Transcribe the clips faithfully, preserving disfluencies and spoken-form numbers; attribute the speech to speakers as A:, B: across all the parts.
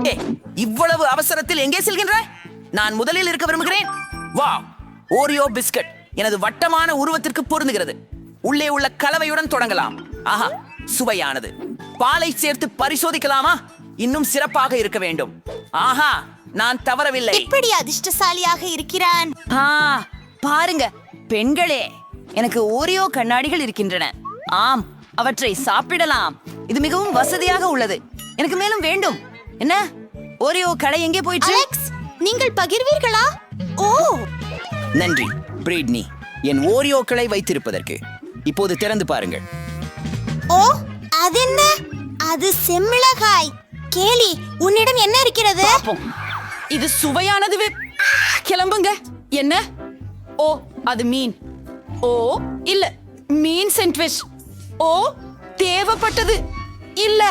A: ஏ, இவ்வளவு அவசரத்தில் எங்கே செல்கின்றாய்? நான் முதலில் இருக்க விரும்புகிறேன். வா, ஓரியோ பிஸ்கட் எனது வட்டமான உருவத்திற்கு பொருந்துகிறது. உள்ளே உள்ள கலவையுடன் தொடங்கலாம். ஆஹா, சுவையானது. பாலை சேர்த்து பரிசோதிக்கலாமா? இன்னும் சிறப்பாக இருக்க வேண்டும். ஆஹா, நான் தவறவில்லை.
B: இப்படி அதிர்ஷ்டசாலியாக இருக்கிறான்.
C: ஆ, பாருங்க பெண்களே, எனக்கு ஓரியோ கண்ணாடிகள் இருக்கின்றன. ஆம், அவற்றை சாப்பிடலாம். இது மிகவும் வசதியாக உள்ளது. எனக்கு மேலும் வேண்டும். என்ன, ஓரியோ கடை எங்கே போயிற்று?
B: அலெக்ஸ், நீங்கள் பகிர்வீர்களா? ஓ,
A: நன்றி பிரிட்னி, என் ஓரியோக்களை வைத்திருப்பதற்கு. இப்போது திறந்து பாருங்கள்.
B: ஓ, அதென்ன? அது செம்மிளகாய். கேலி, உன்னிடம் என்ன இருக்கிறது?
C: பாப்போம். இது சுவையானது. வி- கிளம்புங்க. என்ன? ஓ, அது மீன். ஓ, இல்ல, மீன் சாண்ட்விச். ஓ, தேவைப்பட்டது இல்ல.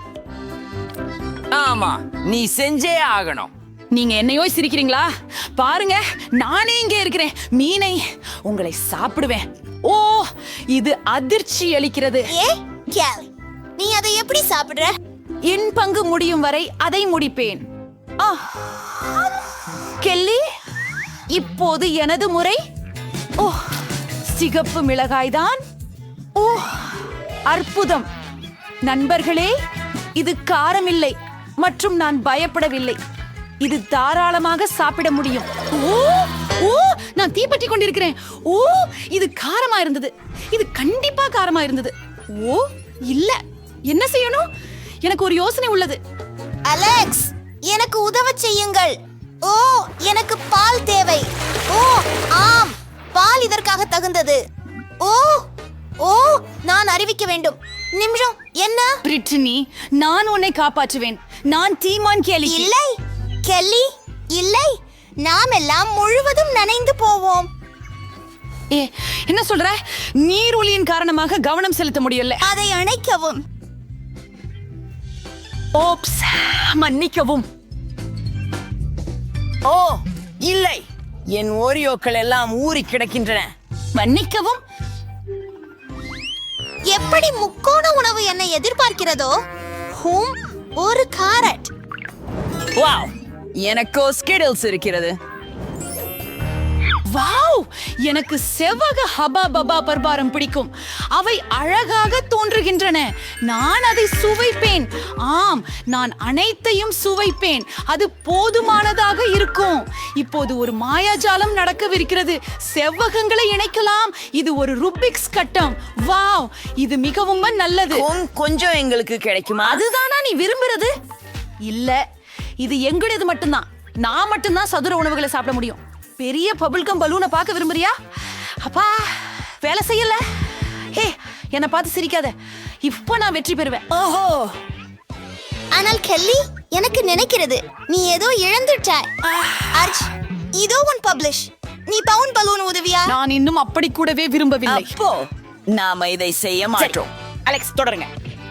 A: ஆமா, நீ செஞ்சே ஆகணும்.
C: நீங்க என்னையோ சிரிக்கிறீங்களா? பாருங்க, நானே இங்கே இருக்கிறேன். மீனை உங்களை சாப்பிடுவேன். ஓ, இது அதிர்ச்சி அளிக்கிறது.
B: ஏ, கேலி, நீ அதை எப்படி சாப்பிடுற?
C: என் பங்கு முடியும் வரை அதை முடிப்பேன். ஆ, கெல்லி, இப்போது எனது முறை. ஓ, சிகப்பு மிளகாய்தான். ஓ, அற்புதம். நண்பர்களே, இது காரமில்லை மற்றும் நான் பயப்படவில்லை. இது தாராளமாக சாப்பிட முடியும். ஓ, ஓ, நான் தீப்பற்றி கொண்டிருக்கிறேன். ஓ, இது காரமா இருந்தது. இது கண்டிப்பா காரமா இருந்தது. ஓ, இல்ல, என்ன செய்யணும்? எனக்கு ஒரு யோசனை உள்ளது.
B: அலெக்ஸ், எனக்கு உதவ செய்யுங்கள். ஓ, எனக்கு பால் தேவை. ஓ, ஆம், பால் இதற்காக தகுந்தது. ஓ, ஓ, நான் அறிவிக்க வேண்டும். நிமிஷம், என்ன?
C: பிரிட்டனி, நான் உன்னை காப்பாற்றுவேன். நான் டீமான் கேலி.
B: இல்லை கெல்லி, இல்லை, நாம் எல்லாம் முழுவதும் நனைந்து போவோம்.
C: ஏ, என்ன சொல்ற? நீரொலியின் காரணமாக கவனம் செலுத்த முடியல.
B: அதை அணைக்கவும்.
C: ஓப்ஸ், மன்னிக்கவும்.
A: ஓ, இல்லை, என் ஓரியோக்கள் எல்லாம் ஊறி கிடக்கின்றன.
C: மன்னிக்கவும்.
B: எப்படி முக்கோண உணவு என்னை எதிர்பார்க்கிறதோ, ஹூம், ஒரு காரட்.
A: வாவ், எனக்கோ ஸ்கிடில்ஸ் இருக்கிறது.
C: வாவ், எனக்கு செவ்வக ஹபா பபா பர்பாரம் பிடிக்கும். அவை அழகாக தோன்றுகின்றன. நான் அதை சுவைப்பேன். ஆம், நான் அனைத்தையும் சுவைப்பேன். அது போதுமானதாக இருக்கும். இப்போது ஒரு மாயாஜாலம் நடக்கவிருக்கிறது. செவ்வகங்களை இணைக்கலாம். இது ஒரு ருபிக்ஸ் கட்டம். வாவ், இது மிகவும் நல்லது.
A: கொஞ்- கொஞ்சம் எங்களுக்கு கிடைக்குமா?
C: அதுதானா நீ விரும்புறது? இல்ல, இது எங்களுடையது மட்டும்தான். நான் மட்டும்தான் சதுர உணவுகளை சாப்பிட முடியும். பெரிய பபிள்கம் பலூனை பார்க்க விரும்புறியா? அப்பா, வேலை செய்யல. ஹே, என்னை பார்த்து சிரிக்காத. இப்போ நான் வெற்றி பெறுவேன்.
A: ஓஹோ,
B: ஆனால் கெல்லி, எனக்கு நினைக்கிறது நீ ஏதோ இழந்துட்டாய். அர்ஜ், இதோ உன் பப்ளிஷ். நீ பவுன் பலூன் உதவியா?
C: நான் இன்னும் அப்படி கூடவே விரும்பவில்லை.
A: அப்போ நாம இதை செய்ய மாட்டோம்.
C: அலெக்ஸ், தொடருங்க.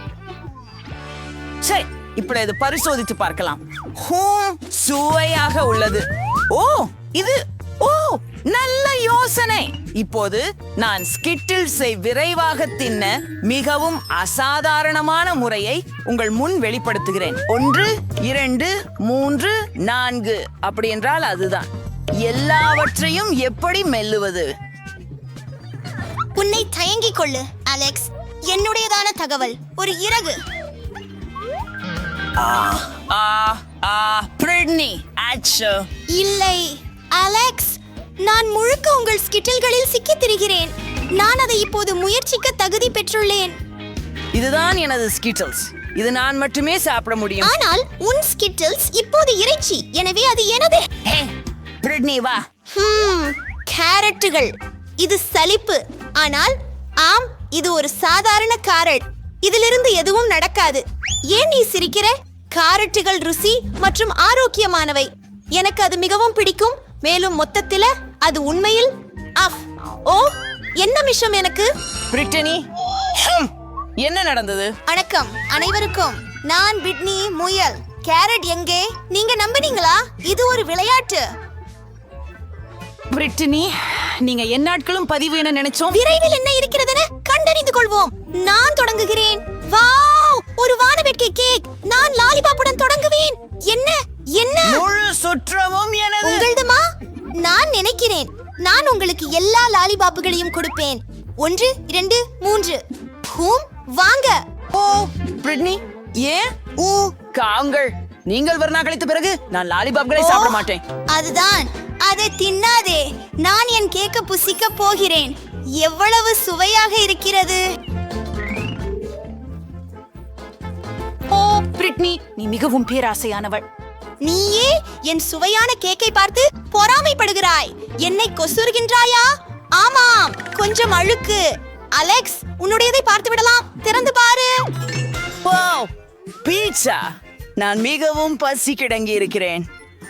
A: சரி, இப்படி இது பரிசோதித்து பார்க்கலாம். ஹூம், சுவையாக உள்ளது. ஓ, இது ஓ, நல்ல யோசனை. இப்போது நான் ஸ்கிட்டில்ஸை விரைவாக தின்ன மிகவும் அசாதாரணமான முறையை உங்கள் முன் வெளிப்படுத்துகிறேன். ஒன்று, இரண்டு, மூன்று, நான்கு. அப்படி என்றால் அதுதான். எல்லாவற்றையும் எப்படி மெல்லுவது?
B: உன்னை தயங்கிக் கொள்ளு அலெக்ஸ். என்னுடையதான தகவல், ஒரு இறகு.
A: ஆ, ஆ, பிரிட்னி, ஆச்சோ.
B: இல்லை அலெக்ஸ், நான் முழுக்க உங்கள் ஸ்கிட்டில்களில் சிக்கித் திரிகிறேன். நான் அதை இப்போது முயற்சிக்க தகுதி பெற்றுள்ளேன்.
A: இதுதான் எனது ஸ்கிட்டில்ஸ். இது நான் மட்டுமே சாப்பிட முடியும்.
B: ஆனால் உன் ஸ்கிட்டில்ஸ் இப்போது இறைச்சி, எனவே அது எனது.
A: ஹே, பிரிட்னி, வா.
B: ஹம், கேரட்டுகள். இது சலிப்பு. ஆனால் ஆம், இது ஒரு சாதாரண காரட். இதிலிருந்து எதுவும் நடக்காது. ஏன் நீ சிரிக்கிற? காரட்டுகள் ருசி மற்றும் ஆரோக்கியமானவை. எனக்கு அது மிகவும் பிடிக்கும். மேலும் மொத்தத்தில அது உண்மையில் அஃப். ஓ, என்ன மிஷம் எனக்கு.
A: பிரிட்டனி, ஹம், என்ன நடந்தது?
B: வணக்கம் அனைவருக்கும். நான் பிட்னி முயல். கேரட் எங்கே? நீங்க நம்பினீங்களா? இது ஒரு விளையாட்டு.
C: பிரிட்டனி, நீங்க எந்நாட்களும் பதிவு என நினைச்சோம்.
B: விரைவில் என்ன இருக்கிறதென கண்டறிந்து கொள்வோம். நான் தொடங்குகிறேன். வாவ், ஒரு வானவேட்கை கேக். நான் லாலிபாப்புடன் தொடங்குவேன்.
A: சுற்றமும் எனது.
B: உங்களதுமா? நான் நினைக்கிறேன் நான் உங்களுக்கு எல்லா லாலிபாப்புகளையும் கொடுப்பேன். ஒன்று இரண்டு மூன்று. ஹூம், வாங்க.
A: ஓ பிரிட்னி, ஏன் ஊ காங்கள் நீங்கள் வர்ணா கழித்த பிறகு நான் லாலிபாப்களை சாப்பிட மாட்டேன்.
B: அதுதான், அதை தின்னாதே. நான் என் கேக்க புசிக்க போகிறேன். எவ்வளவு சுவையாக இருக்கிறது.
C: ஓ பிரிட்னி, நீ மிகவும் பேராசையானவள்.
B: நீயே என் சுவையான கேக்கை பார்த்து பொறாமைப்படுகிறாய். என்னை கொசுறுகின்றாயா? ஆமாம், கொஞ்சம் அழுக்கு. அலெக்ஸ், உன்னுடையதை பார்த்து விடலாம். திறந்து பாரு.
A: Wow, pizza! நான் மிகவும் பசி கிடங்கி இருக்கிறேன்.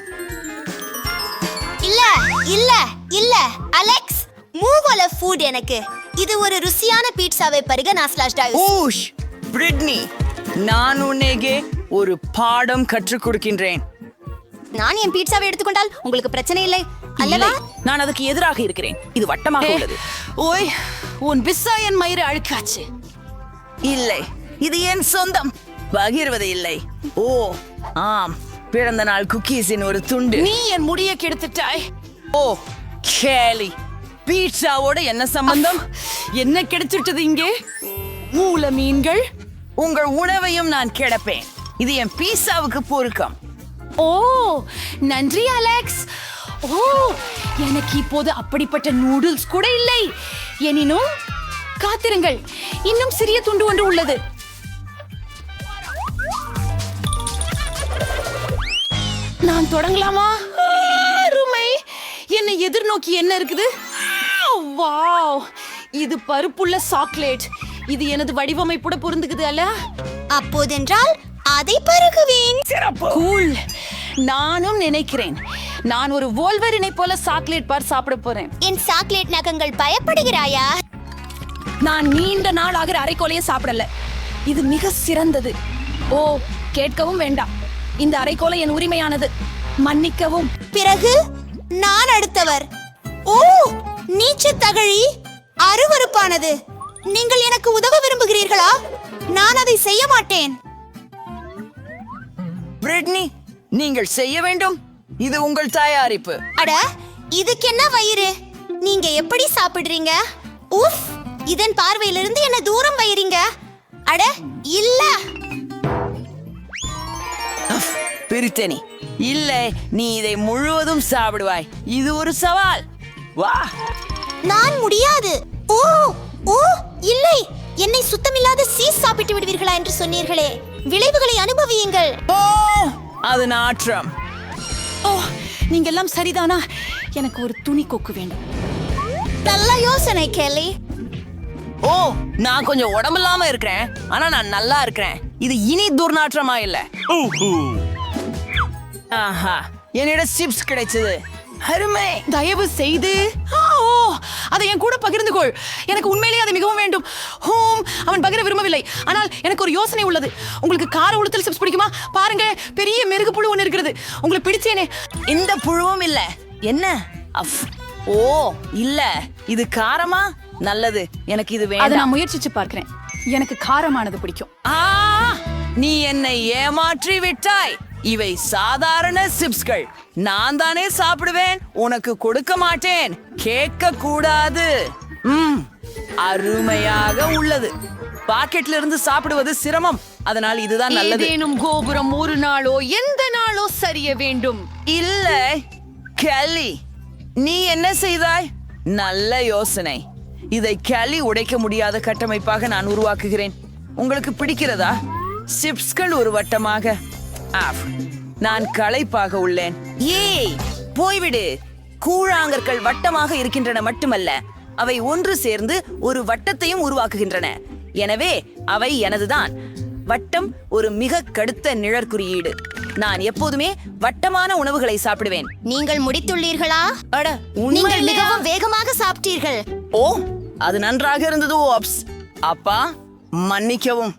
B: இல்ல இல்ல இல்ல அலெக்ஸ், மூவல ஃபுட் எனக்கு. இது ஒரு ருசியான பீட்சாவை பருக நான் ஸ்லாஷ் டாய்ஸ்.
A: ஊஷ் பிரிட்னி, நான் உன்னைக்கு ஒரு பாடம் கற்றுக் கொடுக்கின்றேன்.
B: நான் என் பீட்சாவை எடுத்துக்கொண்டால் உங்களுக்கு பிரச்சனை இல்லை அல்லவா?
A: இல்லை, நான் அதுக்கு எதிராக இருக்கிறேன். இது வட்டமாக
C: ஏ,
A: உள்ளது.
C: ஓய், உன் பிஸ்ஸா என் மயிறு அழுக்காச்சு.
A: இல்லை, இது என் சொந்தம். பகிர்வது இல்லை. ஓ ஆம், பிறந்த நாள் குக்கீஸின் ஒரு துண்டு.
C: நீ என் முடிய கெடுத்துட்டாய்.
A: ஓ கேலி, பீட்சாவோட என்ன சம்பந்தம்?
C: என்ன கிடைச்சிட்டது இங்கே? மூல மீன்கள்.
A: உங்கள் உணவையும் நான் கிடப்பேன். இது என் பீட்சாவுக்கு பொருக்கம்.
C: ஓ நன்றி அலெக்ஸ். ஓ எனக்கு இப்போது அப்படிப்பட்ட நூடுல்ஸ் கூட இல்லை. எனினும் காத்திருங்கள், இன்னும் சிறிய துண்டு ஒன்று உள்ளது. நான் தொடங்கலாமா? அருமை. என்னை எதிர்நோக்கி என்ன இருக்குது? வாவ், இது பருப்புள்ள சாக்லேட். இது எனது வடிவமைப்புட பொருந்துக்குது அல்ல?
B: அப்போதென்றால் அதை பருகுவேன்.
C: கூல். நானும் நினைக்கிறேன் நான் ஒரு வோல்வரினை போல சாக்லேட் பார் சாப்பிட போறேன்.
B: என் சாக்லேட் நகங்கள் பயப்படுகிறாயா?
C: நான் நீண்ட நாள் ஆகிற அரைக்கோலையை சாப்பிடல. இது மிக சிறந்தது. ஓ கேட்கவும் வேண்டாம், இந்த அரைக்கோலை என் உரிமையானது. மன்னிக்கவும்.
B: பிறகு நான் அடுத்தவர். ஓ நீச்சு தகழி, அருவருப்பானது. நீங்கள் எனக்கு உதவ விரும்புகிறீர்களா? நான் அதை செய்ய மாட்டேன்.
A: பிரிட்னி, நீங்கள் செய்ய வேண்டும். இது உங்கள் தயாரிப்பு.
B: அட, இதுக்கு என்ன வயிறு? நீங்க எப்படி சாப்பிடுறீங்க? உஃப், இதன் பார்வையிலிருந்து என்ன தூரம் வைறீங்க. அட இல்ல.
A: பிரிட்டனி, இல்லை, நீ இதை முழுவதும் சாப்பிடுவாய். இது ஒரு சவால். வா.
B: நான் முடியாது. ஓ ஓ இல்லை, என்னை சுத்தமில்லாத சீஸ் சாப்பிட்டு விடுவீர்களா என்று சொன்னீர்களே. விளைவுகளை அனுபவியுங்கள்.
A: ஓ அது நாற்றம்.
C: ஓ நீங்க எல்லாம் சரிதானா? எனக்கு ஒரு துணி கொக்கு வேண்டும்.
B: நல்ல யோசனை கேலி.
A: ஓ நான் கொஞ்சம் உடம்பில்லாம இருக்கிறேன், ஆனா நான் நல்லா இருக்கிறேன். இது இனி துர்நாற்றமா இல்ல. ஆஹா, என்னிடம் சிப்ஸ் கிடைச்சது. அருமை.
C: தயவு செய்து ஆ, ஓ அதை என் கூட பகிர்ந்து கொள். எனக்கு உண்மையிலேயே அது மிகவும் வேண்டும். ஹோம், அவன் பகிர விரும்பவில்லை. ஆனால் எனக்கு ஒரு யோசனை உள்ளது. உங்களுக்கு கார உளுத்தல் சிப்ஸ் பிடிக்குமா? பாருங்க, பெரிய மெருகு புழு ஒன்று இருக்கிறது. உங்களுக்கு பிடிச்சேனே.
A: இந்த புழுவும் இல்ல. என்ன? அஃப். ஓ இல்ல, இது காரமா? நல்லது, எனக்கு இது
C: அதை
A: வேண்டாம்.
C: நான் முயற்சிச்சு பார்க்கிறேன். எனக்கு காரமானது பிடிக்கும்.
A: ஆ, நீ என்னை ஏமாற்றி விட்டாய். இவை சாதாரண சிப்ஸ்கள். நான் தானே சாப்பிடுவேன், உனக்கு கொடுக்க மாட்டேன். கேட்க கூடாது. ம், அருமையாக உள்ளது. பாக்கெட்ல இருந்து சாப்பிடுவது சிரமம், அதனால் இதுதான் நல்லது.
C: ஏதேனும் கோபுரம் ஒரு நாளோ எந்த நாளோ சரிய வேண்டும்.
A: இல்ல கேலி, நீ என்ன செய்தாய்? நல்ல யோசனை. இதை கேலி உடைக்க முடியாத கட்டமைப்பாக நான் உருவாக்குகிறேன். உங்களுக்கு பிடிக்கிறதா? சிப்ஸ்கள் ஒரு வட்டமாக. ஆஃப், நான் களைப்பாக உள்ளேன். ஏய் போய்விடு. கூழாங்கற்கள் வட்டமாக இருக்கின்றன மட்டுமல்ல, அவை ஒன்று சேர்ந்து ஒரு வட்டத்தையும் உருவாக்குகின்றன. எனவே அவை எனதுதான். வட்டம் ஒரு மிக கடுத்த நிழற்குறியீடு. நான் எப்போதுமே வட்டமான உணவுகளை சாப்பிடுவேன்.
B: நீங்கள் முடித்துள்ளீர்களா?
A: அட,
B: நீங்கள்
A: உண்மையிலேயா?
B: மிகவும் வேகமாக சாப்பிட்டீர்கள்.
A: ஓ அது நன்றாக இருந்தது. ஓப்ஸ் அப்பா, மன்னிக்கவும்.